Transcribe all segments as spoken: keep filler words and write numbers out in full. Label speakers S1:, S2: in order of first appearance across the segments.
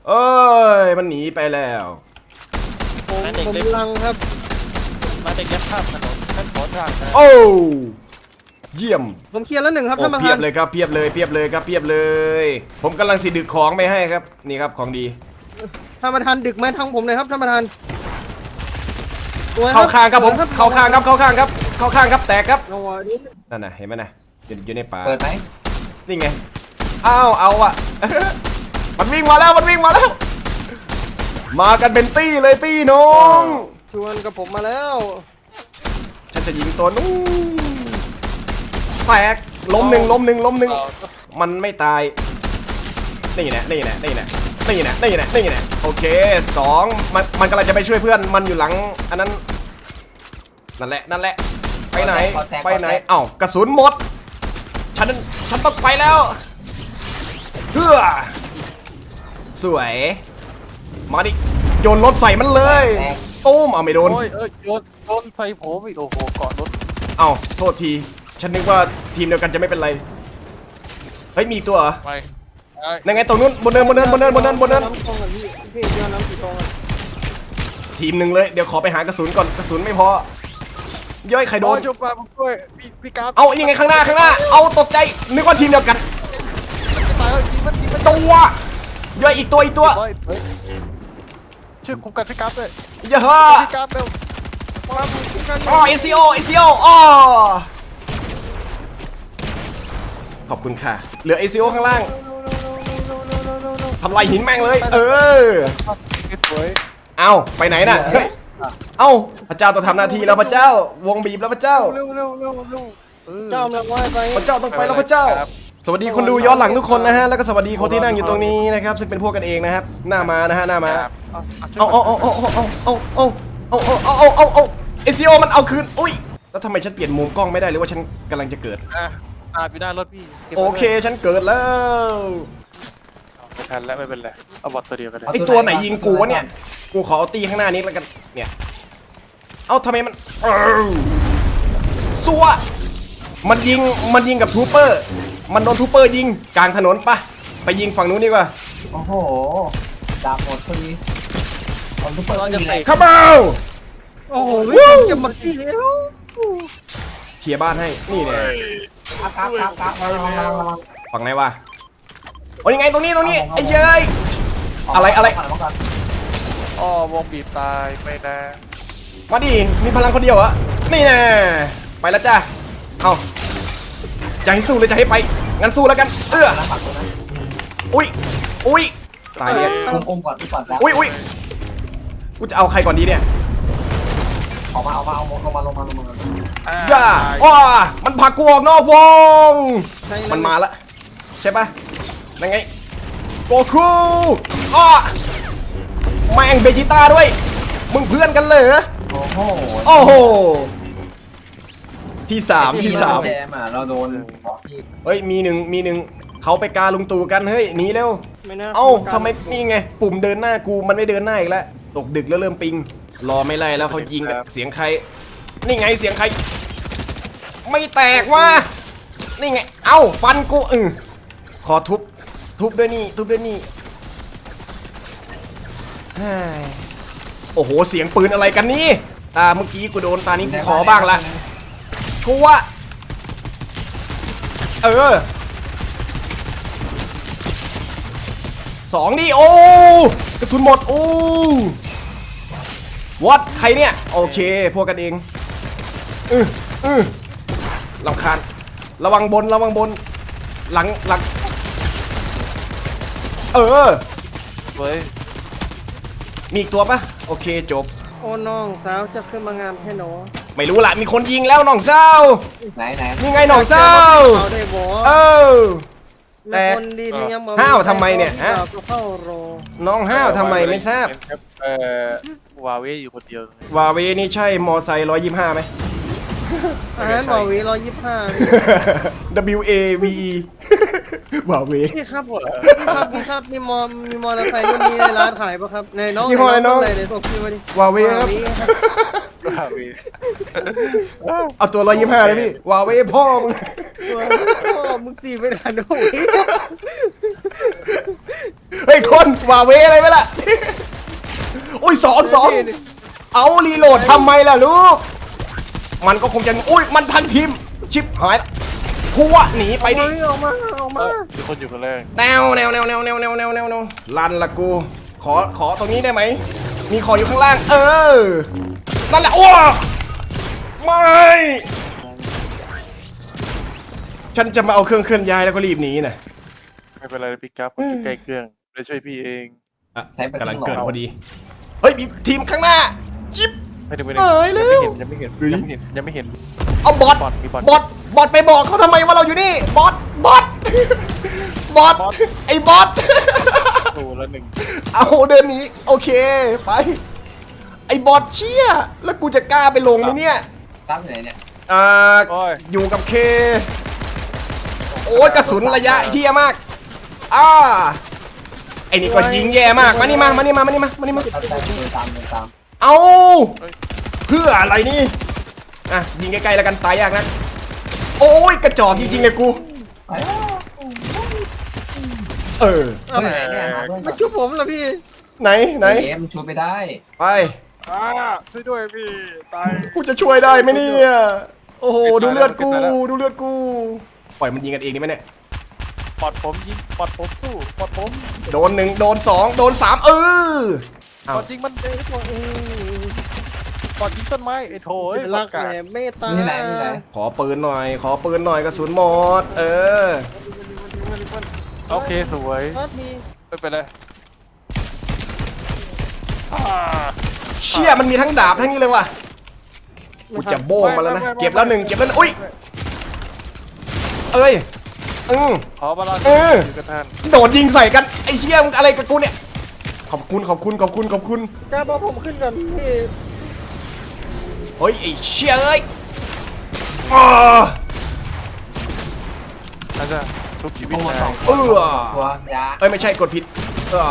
S1: เอ้ยมันหนีไปแล้ว
S2: ผมผมลังครับมาเด็กยัดข้ามถนนท่านขอทางนะ
S1: โอ้เยี่ยม
S2: ผมเคลียร์แล้วหนึ่งครับท่านประธาน
S1: เพียบเลยครับเพียบเลยเพียบเลยครับเพียบเลย ผมกำลังสิดึกของไปให้ครับนี่ครับของดี
S2: ท่านประธานดึกไหมทางผมเลยครับท่านประธาน
S1: เข้าข้างครับผมเข้าข้างครับเข้าข้างครับเข้าข้างครับแตกครับนั่นน่ะเห็นไหมนะอยู่ในป่า
S3: เปิดไหม
S1: นี่ไงอ้าวเอาอะมันวิ่งมาแล้วมันวิ่งมาแล้วมากันเป็นตี้เลยตี้น้อง
S2: ชวนกับผมมาแล้ว
S1: ฉันจะยิงตัวนู้นแตกล้มหนึ่งล้มหนึ่งล้มหนึ่งมันไม่ตายนี่แหละนี่แหละนี่แหละนี่แหละนี่แหละนี่แหละโอเคสองมันมันกำลังจะไปช่วยเพื่อนมันอยู่หลังอันนั้นนั่นแหละนั่นแหละไปไหนไปไหนเอ้ากระสุนหมดฉันฉันต้องไปแล้วเพื่อสวยมาดิโยนรถใส่มันเลยตุ้มเอาไม่โดน
S2: โอ้ยเออโยนโยนใส่ผมอีกโอ้โหเกาะรถ
S1: เอ้าโทษทีฉันนึกว่าทีมเดียวกันจะไม่เป็นไรเฮ้ยมีตัวเหรอ
S2: ไป
S1: ยังไงตรงนู้นบนเนินบนเนินบนเนินบนเนินบนเนินทีมหนึ่งเลยเดี๋ยวขอไปหากระสุนก่อนกระสุนไม่พอย่อยใครโดน
S2: จุ๊บมาผมช่วยพี่พี่กราฟ
S1: เอานี่ไงข้างหน้าข้างหน้าเอาตกใจนึกว่าทีมเดียวกัน
S2: ตายแล้วทีมันทีมัน
S1: ตัวย่อยอีกตัวอีกตัว
S2: ช่วยคุมกันพี่กราฟด้วย
S1: อย่าฮ่า
S2: พี่กราฟเร็ว
S1: อ๋อเอซีโอเอซีโออ๋อขอบคุณค่ะเหลือเอซีโอข้างล่างทำลายหินแม่งเลยเออเอาไปไหนน่ะเอ้าพระเจ้าต้องทำหน้าที่แล้วพระเจ้าวงบีบแล้วพระเจ้า
S2: เร็วเร็วเร็วเร็วเจ้าเร็วไป
S1: พระเจ้าต้องไปแล้วพระเจ้าสวัสดีคนดูย้อนหลังทุกคนนะฮะแล้วก็สวัสดีคนที่นั่งอยู่ตรงนี้นะครับซึ่งเป็นพวกกันเองนะครับหน้ามานะฮะหน้ามาเอาเอาเอาเอาเอาเอาเอาเอาเอาเอาเอาเอาเอซีโอมันเอาคืนอุ้ยแล้วทำไมฉันเปลี่ยนมุมกล้องไม่ได้หรือว่าฉันกำลังจะเกิด
S2: อ่ะอ่าอยู่หน้ารถพี่
S1: โอเคฉันเกิดแล้ว
S2: ไม่ทันแล้วไม่เป็นไรเอาบอทตัวเดียวกันเลย
S1: ไอตัวไหนยิงกูวะเนี่ยกูขอเอาตีข้างหน้านี้แล้วกันเนี่ยเอาทำไมมันซัวมันยิงมันยิงกับทูเปอร์มันโดนทูเปอร์ยิงกลางถนนปะไปยิงฝั่งนู้นดีกว่า
S3: โอ้โหดาบหมดพอดีเอาทูเปอร์ยิงเลย
S1: เข้ามา
S2: โอ้โหจะมาตี
S1: เคลียร์บ้านให้นี่เนี่ย
S3: ครับครับครับ
S1: ฝั่งไหนวะโอ้ยยังไงตรงนี้ตรงนี้ไอ้เจ้ยอะไรอะไร
S2: อ๋อวงบีบตายไม่ได้
S1: มาดิมีพลังคนเดียวเหรอนี่แน่ไปแล้วจ้าเอาจะให้สู้เลยจะให้ไปงั้นสู้แล้วกันเอออุ้ยอุ้ยตายเนี่ย
S3: อมก่อนก่อนแล้ว
S1: อุ้ยอุ้ยกูจะเอาใครก่อนดีเนี่ย
S3: ออกมาออกมาเอาลงมาลงมาลงมา
S1: ย่าว้ามันผลักกูออกนอกวงมันมาละใช่ปะยังไงโกคูอ้อแม่งเบจิต้าด้วยมึงเพื่อนกันเลยเหรอ
S3: โอ้โห
S1: โอ้โหที่สามที่สาม
S3: เราโดน
S1: เฮ้ยมีหนึ่งมีหนึ่งเขาไปกาลุงตู่กันเฮ้ยหนีเร็วเอ้าทำไมนี่ไงปุ่มเดินหน้ากูมันไม่เดินหน้าอีกแล้วตกดึกแล้วเริ่มปิงรอไม่ไล่แล้วเขายิงกันเสียงใครนี่ไงเสียงใครไม่แตกว่ะนี่ไงเอ้าฟันกูอือขอทุบทุบด้วยนี่ทุบด้วยนี่โอ้โหเสียงปืนอะไรกันนี่ตาเมื่อกี้กูโดนตานี้กูขอบ้างละกูว่าเออสองนี่โอ้กระสุนหมดโอ้วัดใครเนี่ยโอเคพวกกันเองอืออือลำคาญระวังบนระวังบนหลังหลังเออ
S2: เฮ้ย
S1: มีอีกตัวปะโอเคจบ
S2: โอ้น้องสาวจะขึ้นมางามแค่หนอ
S1: ไม่รู้ละมีคนยิงแล้วน้องสาว
S3: ไหนไหน
S1: นี่ไงน้องสาวเออแต่ห้าวทำไมเนี่ยฮะน้องห้าวทำไมไม่ทราบ
S2: เออวาเวอยู่คนเดียว
S1: วาเวนี่ใช่มอไซค์ร้อยยี่สิบห้าไหม
S2: อ่าวาเวร้อยยี่สิบห้า
S1: W A V E วาเว
S2: พี่ครับพี่ครับพี่ครับมีมอมีมอเตอร์ไซค์รุ่นนี้ในร้านขายปะครับในน้อง
S1: ยี่ห้ออะไรน้อง
S2: ในตัวพี่มาดิ
S1: วาเวครับเอาตัวร้อยยี่สิบห้าเลยพี่วาเวพ่อมึง
S2: พ่อมึงสี่ไม่ทันโอ้ย
S1: เฮ้ยคนว่าเวอะไรไหมล่ะอุ้ยสองสองเอารีโหลดทำไมล่ะลูกมันก็คงจะอุ้ยมันทันทีมชิปหายละพัวหนีไปดิ
S2: ออกมาออกมามีคนอยู่คนแรก
S1: แนวแนวแนวแนวแนวแนวแนวแนวแนวลันละกูขอขอตรงนี้ได้ไหมมีขออยู่ข้างล่างเออนั่นแหละโอ้ไม่ฉันจะมาเอาเครื่องเคลื่อนย้ายแล้วก็รีบหนีนะ
S2: ไม่เป็นไรพี่กั๊บผมอยู่ใกล้เครื่องไปช่วยพี่เอง
S1: อ่ะกำลังเกิดพอดีเฮ้ยมีทีมข้างหน้าจิ๊บ
S2: ไม่ได้ไม่
S1: เอ้ยเร็ว
S2: ยังไม่เห็นยังไม่เห็นยังไม่เห็น
S1: เอาบอท
S2: บอทมีบอท
S1: บอทบอทไปบอกเขาทำไมว่าเราอยู่นี่บอทบอทบอทไอ้บอท
S2: โอ้แล้วหนึ่ง
S1: เอาเดินหนี้โอเคไปไอ้บอทเชี่ยแล้วกูจะกล้าไปลงไหมเนี่ย
S3: ตั้งไหนเนี่ย
S1: อ่า
S2: โอ้ย
S1: อยู่กับเคโอ้ยกระสุนระยะเฮี้ยมากอ่าไอ้นี่ก็ยิงแย่มากมานี่มามานี่มามานี่มามานี่มา
S3: เอาตามเดินตามเดินตาม
S1: เอาเพื่ออะไรนี่อ่ะยิงใกล้ๆแล้วกันตายยากนะโอ้ยกระจอกจริงๆเลยกู
S3: ไปแล้ว
S1: เออ
S3: เฮ้ยไหนเนี่ยหาเพื่อนก่
S2: ไม่
S3: อน
S2: ช่วยผมเหรอพี่
S1: ไหนไหน
S3: เกมช่วยไปได้
S1: ไป
S2: อ่าช่วยด้วยพี่ตาย
S1: กูจะช่วยได้ไหมเนี่ยโอ้โห
S2: ปิ
S1: ดู
S2: ดตา
S1: เลือดกู
S2: ปิดตาแล้ว
S1: ดูเลือดกูปล่อยมันยิงกันเองนี่ไหมเนี่ย
S2: ปอดผมยิงปอดผมสู้ปอดผม
S1: โดนหนึ่งโดนสองโดนสามเออ
S2: ปอดยิงมันเองตัวเองปอดยิงต้นไม้ไอ้โถย
S4: รักแหลมเมตตา
S3: นี่ไหนนี่ไหน
S1: ขอปืนหน่อย ขอปืนหน่อยกระสุนหมด เออ
S2: โอเคสวย
S4: พัดมี
S2: ไม่เป็นไรอ่า
S1: เชี่ยมันมีทั้งดาบทั้งนี้เลยว่ะกูจะโบ้งมาแล้วนะ เก็บแล้วหนึ่งเก็บแล้วหนึ่งอุ้ย เอ้ยอืม
S2: ขอบาลานซ์
S1: เออ
S2: อยู่กับท่าน
S1: โดดยิงใส่กัน ไอ้เชี่ยมึงอะไรกับกูเนี่ย ขอบคุณขอบคุณขอบคุณขอบคุณ
S4: กล้าบอกผมขึ้นก่อนพี่
S1: เฮ้ยไอ้เชี่ยเอ้ยอ้า
S2: อาจารย์ทุกชีวิต
S3: โอ้
S2: นาย
S3: สอง
S1: เออ
S3: ตัวยา
S1: เอ้ยไม่ใช่กดผิดอ่า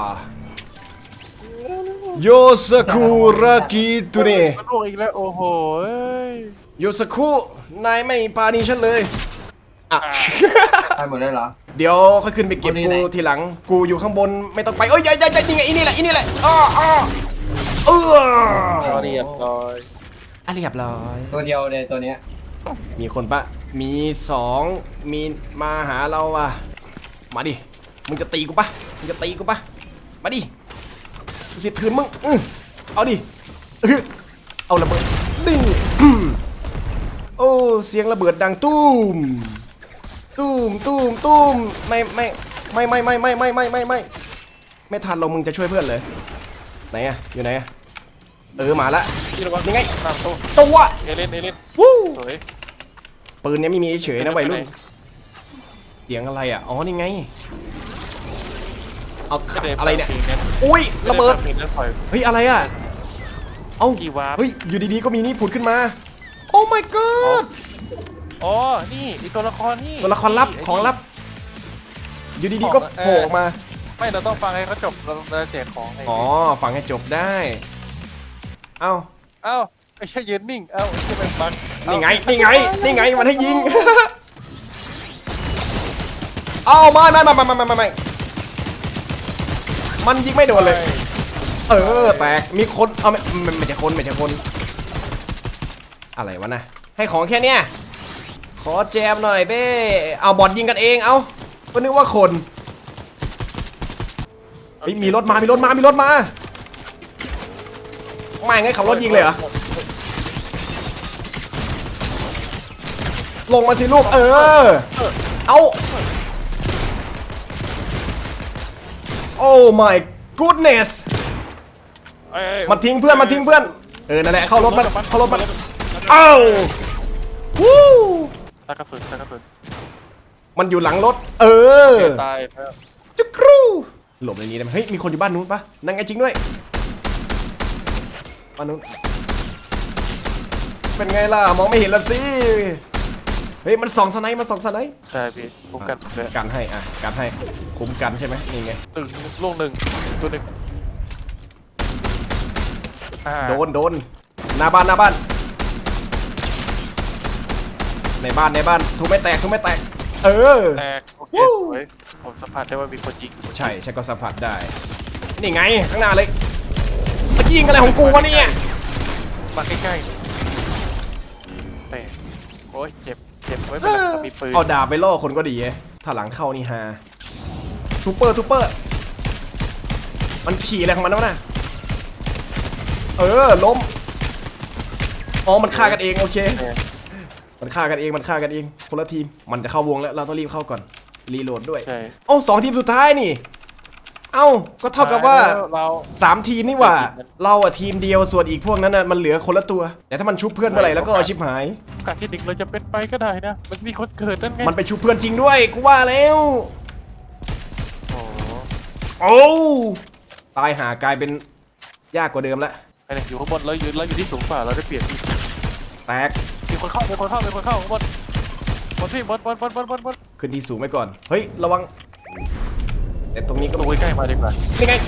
S1: โยสกุระกิตุเน
S2: มันลวกอีกแล้วโอ้โหเอ้ย
S1: โยสกุนายไม่ปาณีฉันเลยอ่ะ
S3: ไปหมดเลยเหรอ
S1: เดี๋ยวค่อยขึ้นไปเก็บ
S3: คนนี้ไหน
S1: กูทีหลัง กูอยู่ข้างบนไม่ต้องไปเอ้ยยัยยัยยัยนี่ไงอีนี่แหละอีนี่แหละอ้ออ้อเออ
S2: เรียบร้อย
S1: อ่ะเรียบร้อย
S3: ตัวเดียวเลยตัวเนี้ย
S1: มีคนปะมีสองมีมาหาเราอ่ะมาดิมึงจะตีกูปะมึงจะตีกูปะมาดิกูสิถืนมึงอื้อเอาดิอื้อเอาระเบิดนี่อื้อโอ้เสียงระเบิดดังตุ้มตุ้มตุ้มตุ้มไม่ไม่ไม่ไม่ไม่ไม่ไม่ไม่ไม่ไม่ไม่ทันเรามึงจะช่วยเพื่อนเลยไหนอะอยู่ไหนอะเออมาละ
S2: พี่ระวัง
S1: ยังไง
S2: ตามตัว
S1: ตัว
S2: เอเลนเอเลน
S1: วู้
S2: สวย
S1: ปืนเนี้ยไม่มีเฉยๆนะวัยรุ่น
S2: ไปไหน
S1: เสียงอะไรอ่ะอ๋อนี่ไงเอา
S2: ม่ด้
S1: อะไรเนี่ย
S2: ฟังพลง
S1: อุ้ยระเบิด
S2: ไม่ไฟังพลงนั้นปล่อย
S1: เฮ้ยอะไรอ่ะเอ้า
S2: กี่วาร์ป
S1: เฮ้ยอยู่ดีๆก็มีนี่ผุดขึ้นมาโอ้ my god
S2: อ๋อ นี่ไอีตัวละครนี่
S1: ตัวละครลับ
S2: ไ
S1: ของลับ อยู่ดีๆก็โผล่ออกมา
S2: ไม่เราต้องฟังให้เขาจบเราเราแจกของไ
S1: อ๋อฟังให้จบได้ เอ้า
S2: เอ้าไอ้แค่ยืนนิ่ง เอ้าไอ้แค่เป็นบัก
S1: นี่ไงนี่ไงนี่ไงมันให้ยิง เอ้าไม่ไม่ไม่ไม่ไม่ไม่ไม่มันยิงไม่โดนเลย เออแตกมีคนเอาไม่ไม่ไม่ใช่คนไม่ใช่คน อะไรวะนะให้ของแค่เนี้ยขอแจมหน่อยเบ้เอาบอดยิงกันเองเอาก็นึกว่าคนเฮ้ยมีรถมามีรถมามีรถมาไม่ไงขับรถยิงเลยเหรอลงมาสิลูกเออเอาโอ้ my goodness
S2: เอ้ย
S1: มันทิ้งเพื่อนมันทิ้งเพื่อนเออนั่นแหละเข้ารถมันเข้ารถมันเอ้าวู้
S2: ตากระสุนตากระสุน
S1: มันอยู่หลังรถเออ
S2: ตายแล้ว
S1: จุกรูหลบในนี้ได้ไหมเฮ้ยมีคนอยู่บ้านนู้นปะนั่งไงจริงด้วยบ้านนู้นเป็นไงล่ะมองไม่เห็นละสิเฮ้ยมันส่องสไนป์มันส่องสไนป์
S2: ใช่พี่ผมกันเลย
S1: กันให้อ่ะกันให้คุ้มกันใช่ไหมนี่ไง
S2: หนึ่งลูกหนึ่งตัวหนึ่งอ่า
S1: โดนโดนหน้าบ้านหน้าบ้านในบ้านในบ้านทุบไม่แตกทุบไม่แตกเออ
S2: แตกโอเคเฮ้ยผมสัมผัสได้ว่ามีคนยิง
S1: ใช่ฉันก็สัมผัสได้ นี่ไงข้างหน้าเลยมายิงอะไรของกูวะเนี่ย
S2: มาใกล้ๆแต่โอ้ยเจ็บเจ็บไม่เป็นไรมีปืน
S1: เอาดาบไปล่อคนก็ดีเอ้ถ้าหลังเข้านี่ฮาซูเปอร์ซูเปอร์มันขี่อะไรของมันวะน่ะเออล้มอ๋อมันฆ่ากันเองโอเคมันฆ่ากันเองมันฆ่ากันเองคนละทีมมันจะเข้าวงแล้วเราต้องรีบเข้าก่อนรีโหลดด้วย
S2: ใช่
S1: เอ้าสองทีมสุดท้ายนี่เอ้าก็เท่ากับว่า
S2: เรา
S1: สามทีมนี่หว่า เราอะทีมเดียวส่วนอีกพวกนั้นน่ะมันเหลือคนละตัวแต่ถ้ามันชุบเพื่อนเมื่อไหร่แล้วก็ชิบหาย
S2: โอกาสที่หนึ่งเราจะเป็นไปก็ได้นะมันมีคนเกิดนั่นไง
S1: มันไปชุบเพื่อนจริงด้วยกูว่าแล้ว
S2: โอ้
S1: โอ้ตายหากลายเป็นยากกว่าเดิมละ
S2: ไอ้เนี่ยอยู่ข้างบนเราอยู่เราอยู่ที่สูงกว่าเราได้เปลี่ยนที่
S1: แตก
S2: มีคนเข้ามีคนเข้ามีคนเข้าข้างบนบนพี่บนบนบนบนบนบน
S1: ขึ้นที่สูงไว้ก่อนเฮ้ยระวังแต่ตรงนี้ก็
S2: ตัวใกล้มาดีกว่า
S1: นี่ไง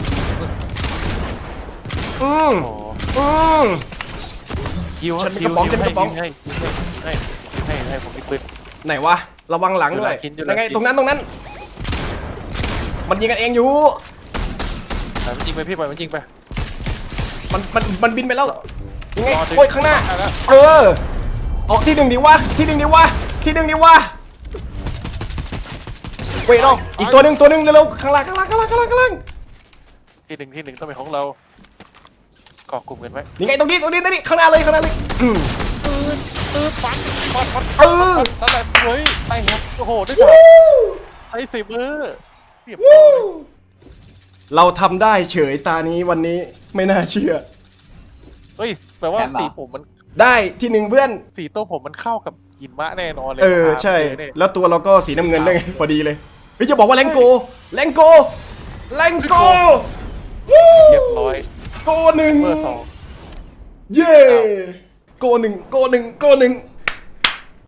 S1: อืม
S2: โอ้
S1: อืม
S2: ยิว
S1: ฉันมี
S2: ยิ
S1: กระป๋อง
S2: ยิ
S1: ฉันมีกระป๋อง
S2: ให้ให้ให้ให้ให้ผมมีปืน
S1: ไหนวะระวังหลังด้วย
S2: อยู่หลัง
S1: ยังไง
S2: กิน
S1: ตรงนั้นตรงนั้น มันยิงกันเองอยู่
S2: แต่มันยิงไปพี่ปล่อยมันยิงไป
S1: มันมันมันบินไปแล้วยังไง
S2: รอถึง
S1: โอ้ยข้างหน้า
S2: แล้ว
S1: เออออกที่หนึ่งดีวะที่หนึ่งดีวะที่หนึ่งดีวะเว้ยน้องอีกตัวหนึ่งตัวหนึ่งเร็วๆข้างล่างข้างล่างข้างล่างข้างล่างข้างล่าง
S2: ที่หนึ่งที่หนึ่งต้องเป็นของเราเกาะกลุ่มกันไว้
S1: นี่ไงตรงนี้ตรงนี้ตรงนี้ข้างหน้าเลยข้างหน้าเลยอืม
S2: ตื่นตื่นปังปังปัง
S1: เออ
S2: นั่นแหละเฮ้ยไปครับโอ้โหด้วยกันไอ้สิบมือเรียบร้อย
S1: เราทำได้เฉยตานี้วันนี้ไม่น่าเชื่อ
S2: เฮ้ยแปลว่าสีผมมัน
S1: ได้ที่หนึ่งเพื่อน
S2: สีตัวผมมันเข้ากับหิมะแน่นอนเลย
S1: เออใช่
S2: เนี่ย
S1: แล้วตัวเราก็สีน้ำเงินด้วยไงพอดีเลยเฮ้ยจะบอกว่าแรงโกแรงโกแรงโก
S2: เรียบร้อย
S1: โกหนึ่ง
S2: เบอร์สอง
S1: เย้โกหนึ่งโกหนึ่งโกหนึ่ง